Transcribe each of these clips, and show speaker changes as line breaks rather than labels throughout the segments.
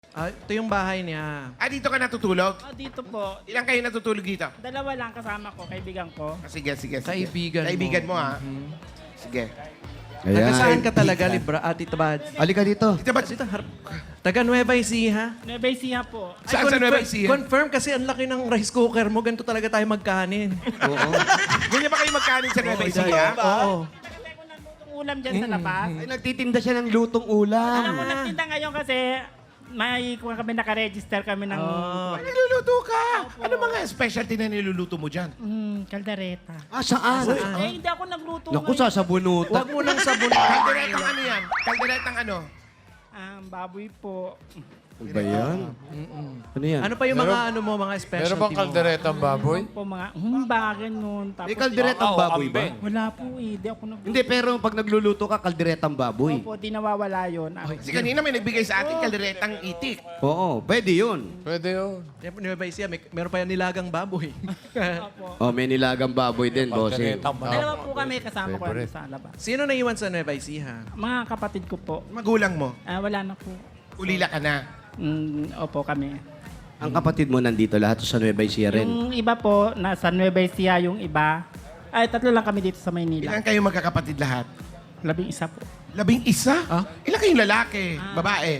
Ito yung bahay niya.
Dito ka natutulog?
Dito po.
Ilang kayo natutulog dito?
Dalawa lang kasama ko, kaibigan ko.
Sige.
Kaibigan mo.
Kaibigan mo, ha? Sige.
Taga saan
Ayan.
ka talaga, Libra? Tita Bads?
Halika dito.
Dito ba?
Dito, taga Nueva Ecija.
Nueva Ecija po.
Saan sa Nueva Ecija?
Confirm kasi ang laki ng rice cooker mo. Ganito talaga tayo magkanin.
Oo.
Ganyan ba kayo magkanin sa Nueva Ecija?
Oo.
Kasi ko naglutong ulam dyan sa labas.
Ay, nagtitinda siya ng lutong ulam.
Ako nagtinda ngayon kasi may kuha kami naka-register kami ng
Ay, niluluto ka. Ano mga specialty na niluluto mo dyan?
kaldereta.
Saan?
Hindi ako nagluto
Naku,
ngayon.
sasabunutan.
Huwag mo nang sabon.
Kalderetang ano yan? Kalderetang ano?
Baboy po.
Ano ba yan? Ano yan?
Ano pa yung mga mga specialty
Meron bang
mo?
kalderetang baboy?
Po mga humbagan nun. Tapos,
May kalderetang baboy ba?
Wala po eh. Di ako nagluto.
Hindi, pero pag nagluluto ka, kalderetang baboy.
Opo, di nawawala yun.
Si kanina may nagbigay sa atin kalderetang itik.
Oo, pwede yun.
Pwede yun.
Nueva Ecija, meron pa yan nilagang baboy.
Opo.
Oh, may nilagang baboy din, bossing.
Kalderetang
Dalawa
baboy.
po kami kasama ko
Favorite.
sa labas.
Sino naiwan sa Nueva Ecija?
Mga kapatid ko po.
Magulang mo,
Wala na po.
ulila ka na.
Opo kami.
Ang kapatid mo nandito lahat sa Nueva Ecija rin.
Yung iba po, nasa Nueva Ecija yung iba. Ay, tatlo lang kami dito sa Maynila.
Ilan kayo magkakapatid lahat?
11 po.
11? Ilan kayong lalaki? Babae?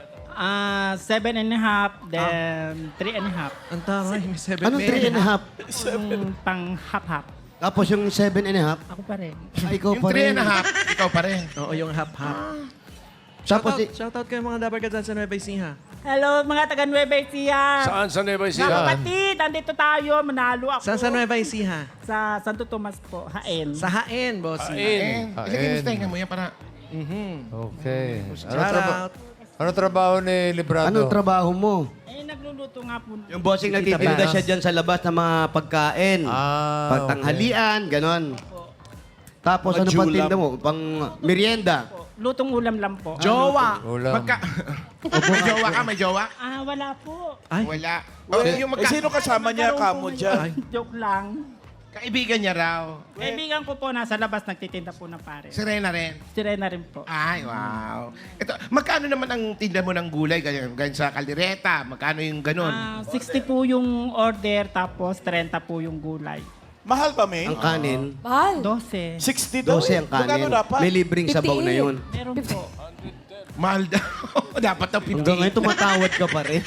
7.5, then 3.5.
Ang taray, may 7
Anong 3 and a half?
Yung pang half-half.
Tapos yung 7 and a half?
Ako pa rin.
Ay, ikaw
Yung
pa
3
rin.
and a half, ikaw pa rin.
Oo, yung half-half.
Tapos,
Shoutout kayo mga dapat ka dyan sa Nueva Ecija.
Hello, mga taga Nueva Ecija.
Saan sa Nueva
Mga
Ecija?
kapatid, andito tayo. Manalo ako.
Saan sa Nueva Ecija?
Sa Santo Tomas po, Haen.
Sa Haen, bossy.
Haen.
Ilagay mo sa tenga mo yan para...
Okay.
Shoutout.
Ano trabaho ni Librado?
anong trabaho mo?
Nagluluto nga po.
Yung bossing nagtitinda siya dyan sa labas ng mga pagkain. Pagtanghalian, ganon. Tapos ano pang tinda mo? Pang merienda.
Lutong ulam lang po.
Jowa!
Ulam.
May jowa ka? May jowa?
Wala po.
Ay,
Wala. Yung
sino kasama niya, kamo dyan?
Joke lang.
Kaibigan niya raw.
Kaibigan ko po nasa labas nagtitinda po ng pare.
Si Rena rin.
Si Rena rin po.
Ay, wow. Ito, magkano naman ang tinda mo ng gulay? Ganyan sa kaldereta. Magkano yung ganun?
60 po yung order tapos 30 po yung gulay.
Mahal ba, May?
Ang kanin,
Mahal.
12.
60 daw.
12 ang
Magkano
kanin.
dapat?
May libreng sabaw na yun.
Meron po.
Mahal daw. Dapat daw 50.
Hanggang ngayon tumatawad ka pa rin.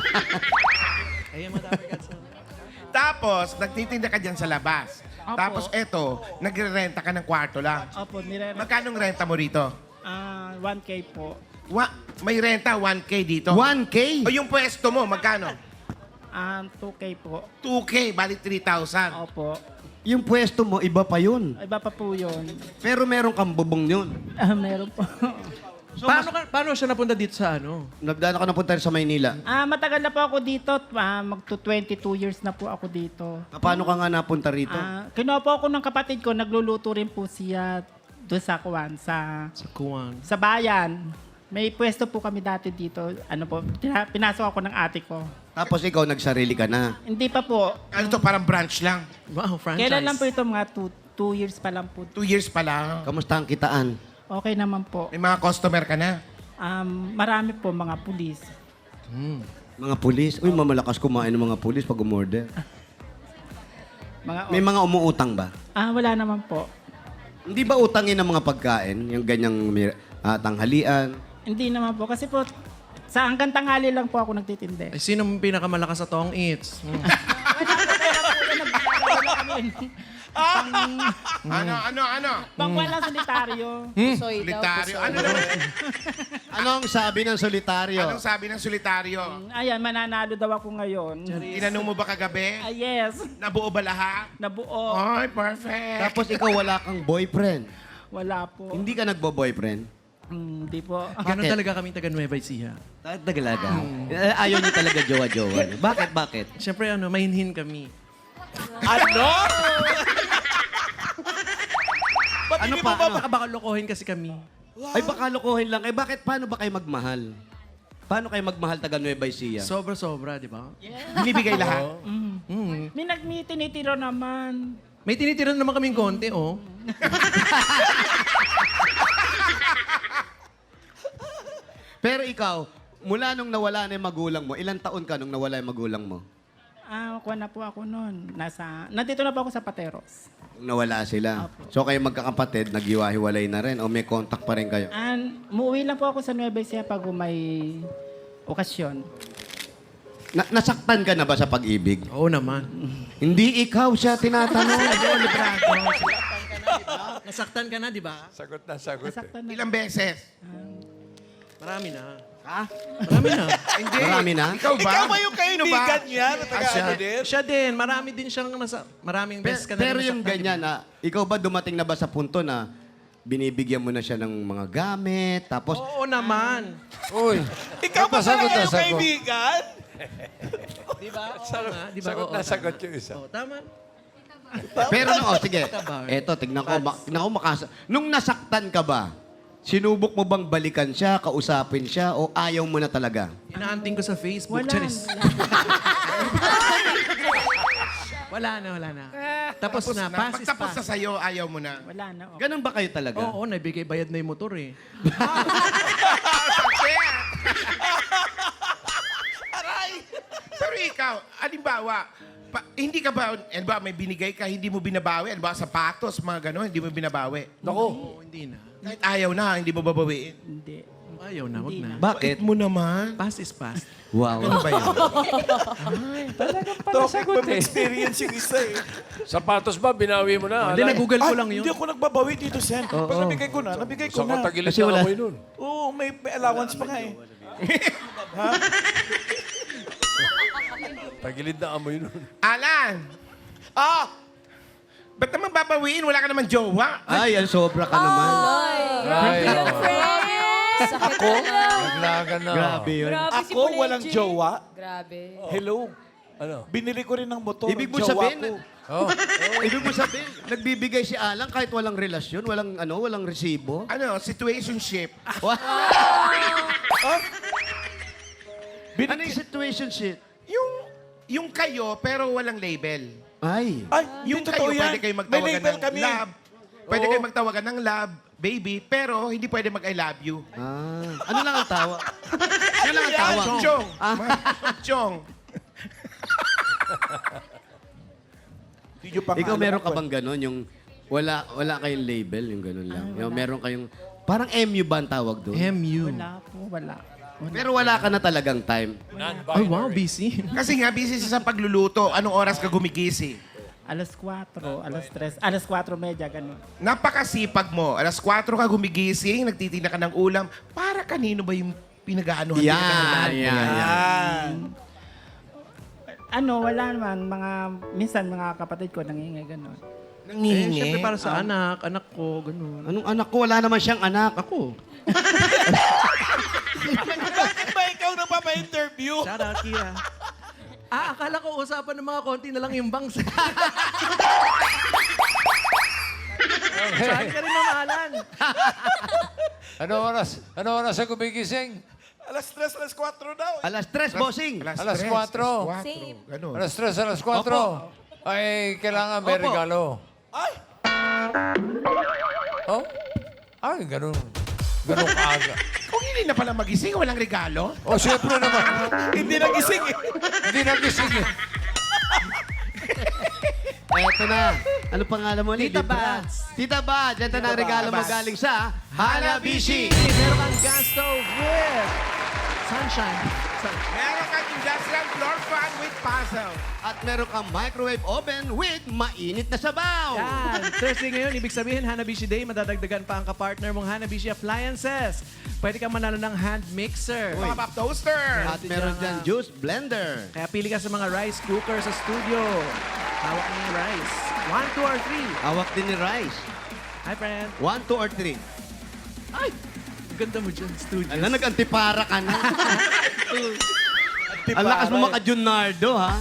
ayun mga dapat ka dyan.
Tapos, nagtitinda ka dyan sa labas.
Opo.
Tapos eto, nagre-renta ka ng kwarto lang.
Opo,
Magkano renta mo rito?
1K po.
May renta, 1K dito.
1K?
O yung pwesto mo, magkano?
2K po.
2K, balik 3,000.
Opo.
Yung pwesto mo, iba pa yun.
Iba pa po yun.
Pero meron kang bubong yun.
Meron po.
So, paano siya napunta dito sa ano?
Nagdaan ako napunta rin sa Maynila.
Matagal na po ako dito. Magto 22 years na po ako dito.
Paano ka nga napunta rito?
Kinuha po ako ng kapatid ko. Nagluluto rin po siya doon sa Kuwan,
Sa Kuwan.
sa bayan. May pwesto po kami dati dito. Ano po, pinasok ako ng ate ko.
Tapos ikaw, nagsarili ka na.
Hindi pa po.
Ano to, parang branch lang.
Wow, franchise.
Kailan lang po ito? Mga 2 years pa lang po.
2 years pa lang.
Kamusta ang kitaan?
Okay naman po.
May mga customer ka na.
Marami po mga pulis.
Mga pulis? Uy, mamalakas kumain ng mga pulis pag umorder.
Mga,
May mga umuutang ba?
wala naman po.
Hindi ba utangin ng mga pagkain? Yung ganyang tanghalian?
Hindi naman po. Kasi po, sa hanggang tanghali lang po ako nagtitindi.
Ay, sino ang pinakamalakas sa Tong Eats?
Ano?
Pangwalang solitaryo.
Soy daw.
Solitaryo. Ano naman?
Anong sabi ng solitaryo?
Anong sabi ng solitaryo?
Ayan, mananalo daw ako ngayon.
Tinanong mo ba kagabi?
Yes.
Nabuo ba lahat?
Nabuo.
Ay, perfect.
Tapos ikaw wala kang boyfriend.
Wala po.
Hindi ka nagbo-boyfriend?
Hindi po.
Ganun
Bakit?
talaga kami taga Nueva Ecija.
Tagalaga. Ayaw niyo talaga jowa-jowa. Bakit?
Siyempre, mainhin kami.
Ano?
Ano pa? Ano?
Baka lokohin kasi kami.
Ay, baka lokohin lang. Eh, bakit? Paano ba kayo magmahal? Paano kayo magmahal taga Nueva Ecija?
Sobra-sobra, di ba?
Binibigay lahat?
May tinitiro naman.
May tinitiran naman kaming konti, oh.
Pero ikaw, Mula nung nawala na yung magulang mo, ilang taon ka nung nawala yung magulang mo?
Kuha na po ako noon. Nandito na po ako sa Pateros.
Nung nawala sila.
Opo.
So kayo magkakapatid, naghiwa-hiwalay na rin o may contact pa rin kayo?
Muuwi lang po ako sa Nueva Ecija pag may okasyon.
Nasaktan ka na ba sa pag-ibig?
Oo naman.
Hindi ikaw siya tinatanong.
Nasaktan ka na, di ba?
Sagot na, sagot.
Nasaktan na.
Ilang beses?
Marami na.
Ha?
Marami na.
Hindi.
Marami na?
Ikaw ba?
Ikaw ba yung
Sino ba?
kaibigan niya? Na taga-ano din?
Siya din. Marami din siyang maraming beses ka na
Pero
rin
yung
nasaktan,
ganyan,
di ba?
ikaw ba dumating na ba sa punto na binibigyan mo na siya ng mga gamit, tapos
Oo naman.
Uy.
Ikaw ba
Sagot
talaga
na,
yung
sagot.
kaibigan?
Di ba? Oo nga. Di ba?
Sagot
Oo,
na,
tama.
sagot yung isa.
Oo, tama.
Pero sige. Eto, tignan ko. Nung nasaktan ka ba, sinubok mo bang balikan siya, kausapin siya, o ayaw mo na talaga?
Inaanting ko sa Facebook.
Wala.
Charis. Wala na. Tapos na. Pass is
Pagtapos na
pass.
sa'yo, ayaw mo na.
Wala na. Okay.
Ganun ba kayo talaga?
Oo, nabigay bayad na yung motor eh.
Aray! Pero ikaw, alimbawa, hindi ka ba, may binigay ka, hindi mo binabawi? Alimbawa, sapatos, mga gano'n, hindi mo binabawi?
Oo, hindi na.
Kahit ayaw na, hindi mo babawiin.
Hindi.
Ayaw na, wag na.
Bakit?
Mo naman.
Pass is pass.
Wow.
Ano ba yun?
Topic from experience yung isa eh.
Sapatos ba, binawi mo na?
Hindi, nag-google ko lang yun.
Hindi ako nagbabawi dito, Sen. Pag nabigay ko na, nabigay ko
Sa
na.
katagilid
Kasi
na
wala-
amoy nun.
Oo, may allowance pa nga eh.
Tagilid na amoy nun.
Alan! Ba't naman babawiin? Wala ka naman jowa.
Ay, ang sobra ka naman.
Ay,
Sakit ko?
naglagan na.
Grabe yun.
Grabe si
Ako
Pulenji.
walang jowa.
Grabe.
Hello.
Ano?
Binili ko rin ng motor.
Ibig mo
jowa
sabihin,
ko.
ibig mo sabihin, nagbibigay si Alan kahit walang relasyon, walang resibo.
Ano, situationship.
Ano yung situationship?
Yung kayo, pero walang label.
Ay.
Ay,
Yung
yung totoo
kayo,
yan.
pwede kayo
May
magtawagan
label
ng
kami.
love. Pwede kayo magtawagan ng love, baby, pero hindi pwede mag-I love you.
Ano lang ang tawa? Ano lang ang tawa?
Chong. Chong.
Ikaw meron ka bang ganon? Yung wala kayong label, yung ganon lang. Yung meron kayong, parang MU ba ang tawag doon?
MU.
Wala.
Pero wala ka na talagang time.
Ay, wow, busy.
Kasi nga, busy siya sa pagluluto. Anong oras ka gumigising?
Alas 4, alas 3, alas 4:30, ganun.
Napakasipag mo. Alas 4 ka gumigising, nagtitinda ka ng ulam. Para kanino ba yung pinag-aanohan?
Yan.
Wala naman. Minsan mga kapatid ko nangingi ganun.
Eh,
Nangihingi.
syempre para sa anak ko, ganun.
Anong anak ko? Wala naman siyang anak.
Ako.
Bakit ba ikaw na pa ma-interview?
Shout out, Kira. Akala ko usapan ng mga konti na lang yung bangs. Saan ka rin mamahalan?
Ano oras sa gumigising?
Alas 3, alas 4 daw.
Alas 3, bossing.
Alas 4.
Same.
Ganun.
Alas 3, alas 4. Ay, kailangan may
Opo.
regalo.
Ay!
Oh? Ay, ganun. Ganun kaaga.
Kung hindi na pala magising, walang regalo.
Oh, siyempre naman.
Hindi nagising eh.
Hindi nagising eh.
Eto na. Ano pangalan mo ulit?
Tita
Di ba?
Bats.
Tita Bats. Ito na ang regalo mo
Bats.
galing sa Hanabishi.
Meron kang gas stove with sunshine.
Meron kang industrial floor fan with puzzle.
At meron kang microwave oven with mainit na sabaw.
Yan. Thursday ngayon, ibig sabihin, Hanabishi Day, madadagdagan pa ang kapartner mong Hanabishi Appliances. Pwede kang manalo ng hand mixer.
Pop-up toaster.
At meron dyan juice blender.
Kaya pili ka sa mga rice cooker sa studio. Hawak mo yung rice. 1, 2, or 3.
Hawak din ni Rice.
Hi, friend.
1, 2, or 3.
Ay! Ang ganda mo dyan, studio.
Alam, nag-antipara ka na. Ang lakas mo maka-Junardo, ha?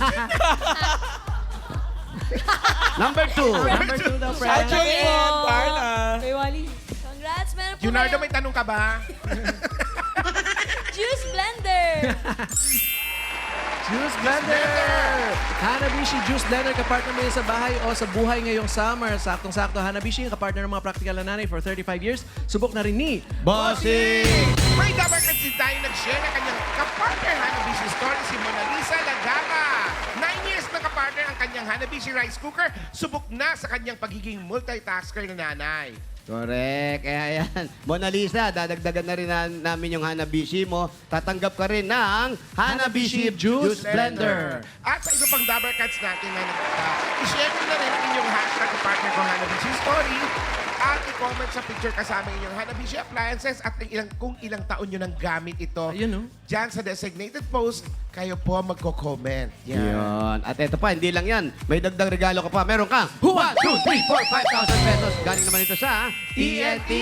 Number 2.
Number 2 daw, friend.
Julian, Parna.
Kuya Wally. Congrats, meron po
Junardo,
kayong
may tanong ka ba?
juice blender.
Juice Blender! Hanabishi Juice Blender, kapartner mo yan sa bahay o sa buhay ngayong summer. Saktong-sakto, Hanabishi, kapartner ng mga practical na nanay for 35 years. Subok na rin ni
Bossing!
May dapat kasi tayo nag-share na kanyang kapartner Hanabishi story si Mona Lisa Lagama. 9 years na kapartner ang kanyang Hanabishi rice cooker. Subok na sa kanyang pagiging multitasker na nanay.
Correct. Kaya yan. Mona Lisa, dadagdagan na rin namin yung Hanabishi mo. Tatanggap ka rin ng Hanabishi Juice Blender.
At sa iba pang Dabber Cats natin na i-share nyo na rin ang inyong hashtag partner ko Hanabishi Story at i-comment sa picture kasama inyong Hanabishi appliances at kung ilang taon nyo nang gamit ito.
Ayun, oh.
Diyan sa designated post, kayo po magko-comment.
Yan. At eto pa, hindi lang yan. May dagdag regalo ka pa. Meron kang 1, 2, 3, 4, 5,000 pesos. Galing naman ito sa TNT.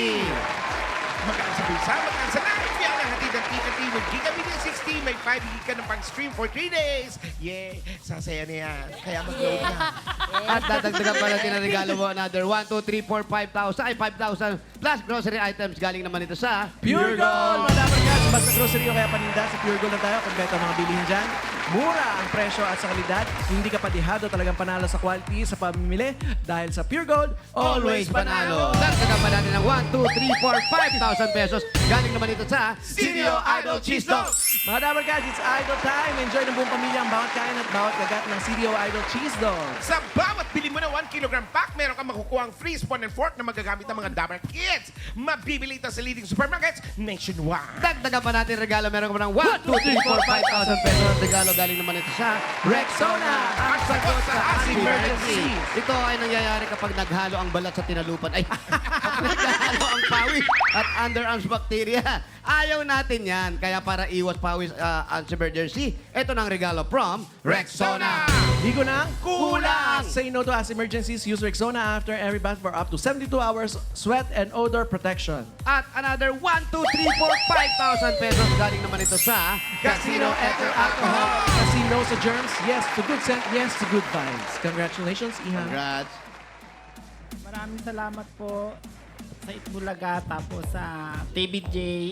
Magkaan sa bulsa, magkaan sa live. Yan ang hatid ng TNT with Gigabit 60. May 5 gig ka ng pang-stream for 3 days. Yay! Sasaya na yan. Kaya mag-load na.
At dadagdagan pa natin ang regalo mo. Another 1, 2, 3, 4, 5,000. Ay, 5,000 plus grocery items. Galing naman ito sa
Pure Gold! Mga Dabber Cats, basta grocery o kaya paninda, sa Pure Gold na tayo. Kompleto ang mga bilihin dyan. Mura ang presyo at sa kalidad. Hindi ka padihado, talagang panalo sa quality sa pamimili. Dahil sa Pure Gold,
Always panalo. Dagdagan pa natin ng 1, 2, 3, 4, 5,000 pesos. Galing naman ito sa
CDO Idol Cheese Dog.
Mga Dabber Cats, it's Idol time. Enjoy ng buong pamilya ang bawat kain at bawat kagat ng CDO Idol Cheese Dog.
Sa bawat bili mo na 1 kilogram pack, meron kang makukuha ang free spoon and fork na magagamit ng mga Dabber Kids. Mabibili ito sa leading supermarkets nationwide.
Dagdagan pa natin regalo. Meron ka pa ng 1, 2, 3, 4, 5,000 pesos. Ang regalo galing naman ito sa
Rexona, ang sagot sa emergency.
Ito ay nangyayari kapag naghalo ang balat sa tinalupan. Ay, naghalo ang pawis at underarms bacteria. Ayaw natin yan. Kaya para iwas pawis ang emergency, ito ng regalo from Rexona.
Di ko na
Kulang!
Say no to as emergencies. Use Rexona after every bath for up to 72 hours sweat and odor protection.
At another 1, 2, 3, 4, 5,000 pesos. Galing naman ito sa
Casino Ether Alcohol. Casino sa germs, yes to good scent, yes to good vibes. Congratulations, Ihan.
Congrats.
Maraming salamat po sa Itbulaga, tapos sa TVJ,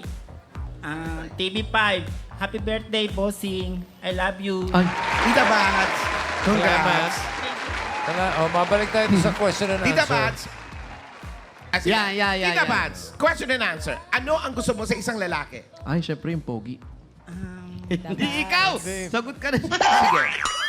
TV5. Happy birthday, Bossing. I love you.
Ay,
Tita Bats. Congrats.
Mabalik tayo sa question and
Tita
answer.
Bats.
Yeah.
Tita Bats, question and answer. Ano ang gusto mo sa isang lalaki?
ay, syempre yung pogi.
Hindi ikaw. Sagot ka na.
Sige.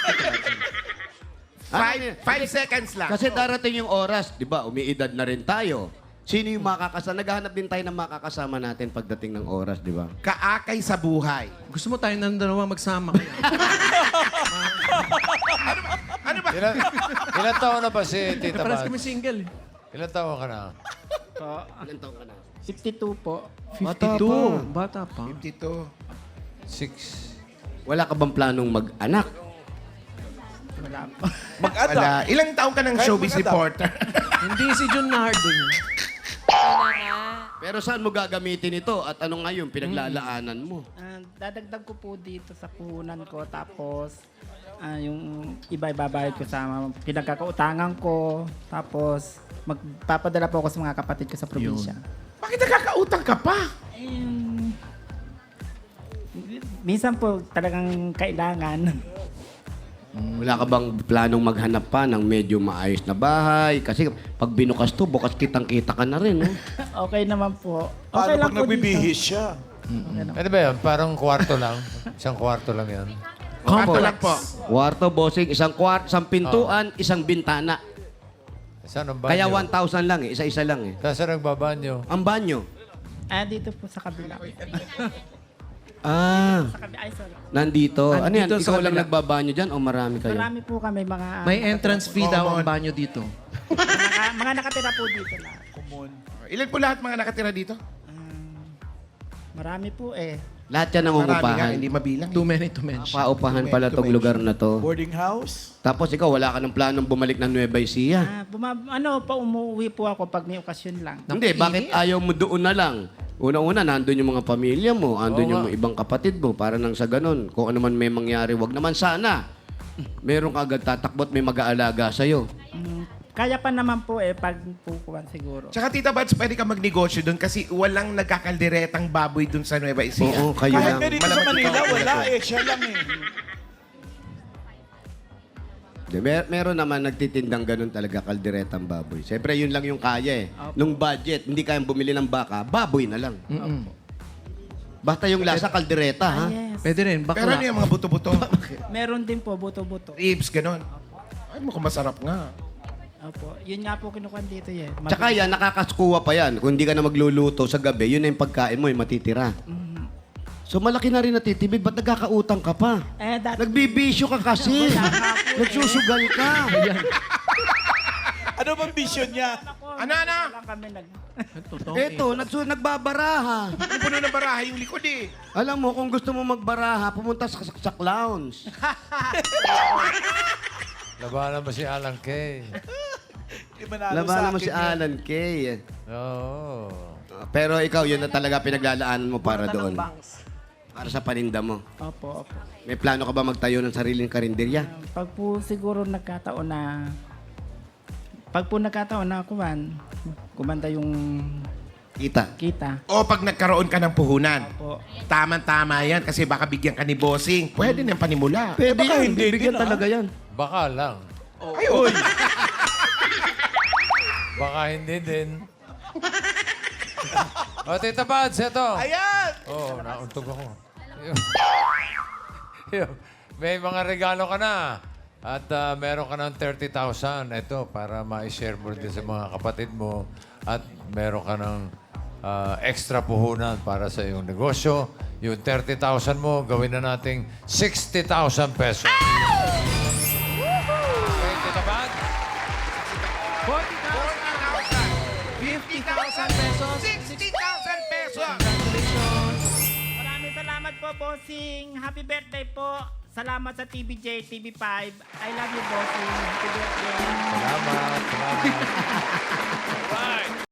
Ano
5 seconds lang.
Kasi darating yung oras, di ba, umiidad na rin tayo. Sino yung makakasama? Naghahanap din tayo ng makakasama natin pagdating ng oras, di ba?
Kaakay sa buhay.
Gusto mo tayo ng dalawa magsama kaya?
Ano ba?
Ilan taon na ba si Tita
Paras
Bats?
kami single eh.
Ilan taon ka na?
Po.
Ilan taon ka na?
52 po.
52. Bata pa.
52.
6.
Wala ka bang planong mag-anak?
Wala po.
Mag-adapt.
Wala. Ilang taong ka ng
Kahit
showbiz
mag-adapt.
reporter?
Hindi si Jun Nardo yun.
Ano nga.
Pero saan mo gagamitin ito? At ano nga yung pinaglalaanan mo?
Dadagdag ko po dito sa puhunan ko, tapos yung iba ibabayad ko sa mga pinagkakautangan ko, tapos magpapadala po ako sa mga kapatid ko sa probinsya.
Bakit nakakautang ka pa?
Minsan po talagang kailangan.
Wala ka bang planong maghanap pa ng medyo maayos na bahay? Kasi pag binukas to, bukas kitang-kita ka na rin. No?
Okay naman po.
Paano
Okay lang
pag
po
nagbibihis
dito.
siya?
Ano ba yan? Parang kwarto lang? Isang kwarto lang yan?
Kato lang po.
Kwarto, bossing, isang pintuan, isang bintana.
Saan ang banyo?
Kaya 1,000 lang eh, isa-isa lang eh.
Saan nagbabanyo?
Ang banyo.
Dito po sa kabila.
Ah,
Sa kabila. Ay, sorry.
nandito. Ano yan?
Nandito sa
Ikaw lang
kabila.
nagbabanyo dyan o marami kayo?
Marami po kami mga...
May entrance fee daw ang banyo dito.
mga nakatira po dito lang.
Ilan po lahat mga nakatira dito?
Marami po eh.
Lahat yan
Marami nga,
nangungupahan.
hindi mabilang.
Too many to mention.
Paupahan pala tong lugar na to.
Boarding house?
Tapos ikaw, wala ka ng planong bumalik ng Nueva Ecija.
Umuwi po ako pag may okasyon lang.
Hindi, bakit ayaw mo doon na lang? Una-una, nandun yung mga pamilya mo, andun yung mga ibang kapatid mo, para nang sa ganun. Kung ano man may mangyari, wag naman sana. Meron ka agad tatakbot, may mag-aalaga sa'yo.
Kaya pa naman po pag pukuhan siguro.
Tsaka Tita Bats, pwede ka magnegosyo doon kasi walang nagkakalderetang baboy doon sa Nueva Ecija.
Oo, kayo
Kahit
lang.
nga dito sa
Malamang
Manila,
ikaw ang
wala
nag-
eh. Siya lang eh.
Meron naman nagtitindang ganun talaga, kalderetang baboy. Siyempre, yun lang yung kaya eh.
Opo.
Nung budget, hindi kayang bumili ng baka, baboy na lang. Basta yung lasa kaldereta, ha?
Yes.
Pwede rin,
Pero
bakla.
ano yung mga buto-buto?
Meron din po, buto-buto.
Ribs, ganon. Ay, mukhang masarap nga.
Opo. Yun nga po kinukuha dito eh.
Tsaka yan, nakakaskuha pa yan. Kung hindi ka na magluluto sa gabi, yun na yung pagkain mo, yung matitira. So malaki na rin natitibig, ba't nagkakautang ka pa?
Dati,
Nagbibisyo ka kasi. Nagsusugal ka.
Ano bang vision niya?
Ano?
lang kami
Totoo.
Eto, nagbabaraha.
Ang puno ng baraha yung likod eh.
Alam mo, kung gusto mo magbaraha, pumunta sa clowns.
Labanan mo si Alan Kay.
Hindi manalo
Labanan
sa
mo
akin
si
yan.
Alan Kay.
Oo.
Pero ikaw, yun na talaga pinaglalaanan mo para doon.
Banks.
Para sa paninda mo.
Opo, opo.
May plano ka ba magtayo ng sariling karinderya?
Pag po siguro nagkataon na... Pag po nagkataon na kumanda yung
Kita.
kita.
O pag nagkaroon ka ng puhunan.
Opo.
Tama-tama yan kasi baka bigyan ka ni bossing. Pwede nang panimula.
Pwede
baka
yan,
hindi
bibigyan
din,
talaga yan.
Baka lang.
Ay, oy.
Baka hindi din. O, Tita Pads, ito.
Ayan!
Oo, nauntog ako. May mga regalo ka na. At meron ka ng 30,000. Ito, para ma-share mo din sa mga kapatid mo. At meron ka ng extra puhunan para sa iyong negosyo. Yung 30,000 mo, gawin na nating 60,000 pesos. Okay, Tita Pads?
50,000 pesos.
60,000 pesos.
Congratulations.
Maraming salamat po, bossing. Happy birthday po. Salamat sa TVJ, TV5. I love you, bossing. Happy birthday.
Salamat. Salamat. Right.